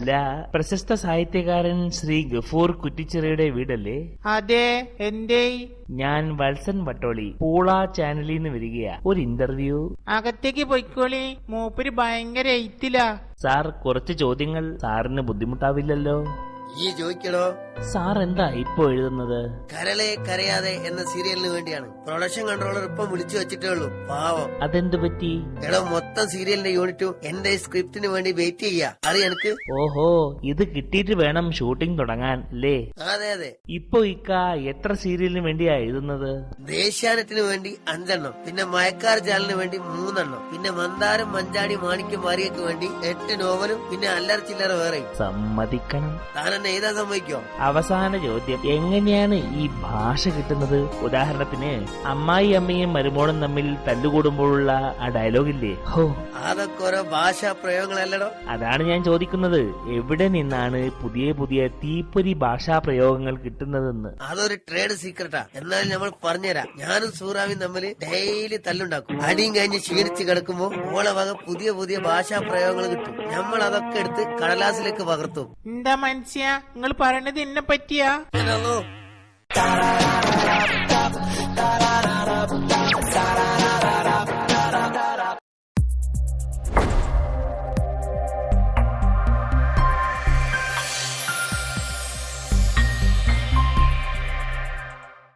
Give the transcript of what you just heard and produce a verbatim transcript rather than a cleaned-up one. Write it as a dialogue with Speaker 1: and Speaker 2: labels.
Speaker 1: അല്ല, പ്രശസ്ത സാഹിത്യകാരൻ ശ്രീ ഗഫൂർ കുറ്റിച്ചിറയുടെ വീടല്ലേ?
Speaker 2: അതെ. എന്തേ?
Speaker 1: ഞാൻ വത്സൻ വട്ടോളി, പൂള ചാനലിൽ നിന്ന് വരികയാ. ഒരു ഇന്റർവ്യൂ.
Speaker 2: അകത്തേക്ക് പൊയ്ക്കോളി, മൂപ്പര് ഭയങ്കര എയ്ത്തിലാ.
Speaker 1: സാർ, കുറച്ച് ചോദ്യങ്ങൾ സാറിന് ബുദ്ധിമുട്ടാവില്ലല്ലോ?
Speaker 3: ഈ ചോദിക്കണോ?
Speaker 1: സാർ എന്താ ഇപ്പൊ എഴുതുന്നത്?
Speaker 3: കരളെ കരയാതെ എന്ന സീരിയലിന് വേണ്ടിയാണ്. പ്രൊഡക്ഷൻ കൺട്രോളർ ഇപ്പം വിളിച്ചു വെച്ചിട്ടേ ഉള്ളൂ. പാവം.
Speaker 1: അതെന്തു പറ്റി?
Speaker 3: എടോ, മൊത്തം സീരിയലിന്റെ യൂണിറ്റും എന്റെ സ്ക്രിപ്റ്റിന് വേണ്ടി വെയിറ്റ് ചെയ്യാ. അറിയാ എനിക്ക്?
Speaker 1: ഓഹോ, ഇത് കിട്ടിയിട്ട് വേണം ഷൂട്ടിംഗ് തുടങ്ങാൻ അല്ലേ?
Speaker 3: അതെ അതെ.
Speaker 1: ഇപ്പൊ ഇക്ക എത്ര സീരിയലിന് വേണ്ടിയാ എഴുതുന്നത്?
Speaker 3: ദേശാനത്തിന് വേണ്ടി അഞ്ചെണ്ണം, പിന്നെ മയക്കാർ ചാനലിന് വേണ്ടി മൂന്നെണ്ണം, പിന്നെ മന്ദാരം മഞ്ചാടി മാണിക്യം മാരിയക്ക് വേണ്ടി എട്ട് നോവലും, പിന്നെ അല്ലറ ചില്ലറ വേറെയും.
Speaker 1: സമ്മതിക്കണം.
Speaker 3: താൻ എന്നെ എഴുതാൻ സമ്മതിക്കോ?
Speaker 1: അവസാന ചോദ്യം, എങ്ങനെയാണ് ഈ ഭാഷ കിട്ടുന്നത്? ഉദാഹരണത്തിന് അമ്മായി അമ്മയും മരുമോളും തമ്മിൽ തല്ലുകൂടുമ്പോഴുള്ള ആ ഡയലോഗില്ലേ? ഹോ,
Speaker 3: അതൊക്കെ ഓരോ ഭാഷാ പ്രയോഗങ്ങളല്ലടോ.
Speaker 1: അതാണ് ഞാൻ ചോദിക്കുന്നത്, എവിടെ നിന്നാണ് പുതിയ പുതിയ തീപ്പൊരി ഭാഷാ പ്രയോഗങ്ങൾ കിട്ടുന്നതെന്ന്.
Speaker 3: അതൊരു ട്രേഡ് സീക്രട്ടാ. എന്നാലും നമ്മൾ പറഞ്ഞുതരാം. ഞാനും സൂറാവിയും തമ്മിൽ ഡെയിലി തല്ലുണ്ടാക്കും. അടിയും കഴിഞ്ഞ് ക്ഷീണിച്ച് കിടക്കുമ്പോ ഓളെ വക പുതിയ പുതിയ ഭാഷാ പ്രയോഗങ്ങൾ കിട്ടും. നമ്മൾ അതൊക്കെ എടുത്ത് കടലാസിലേക്ക് പകർത്തും.
Speaker 2: എന്താ മനുഷ്യ, നിങ്ങൾ പറയണത് എന്നെ പറ്റിയാ?
Speaker 3: ഹലോ.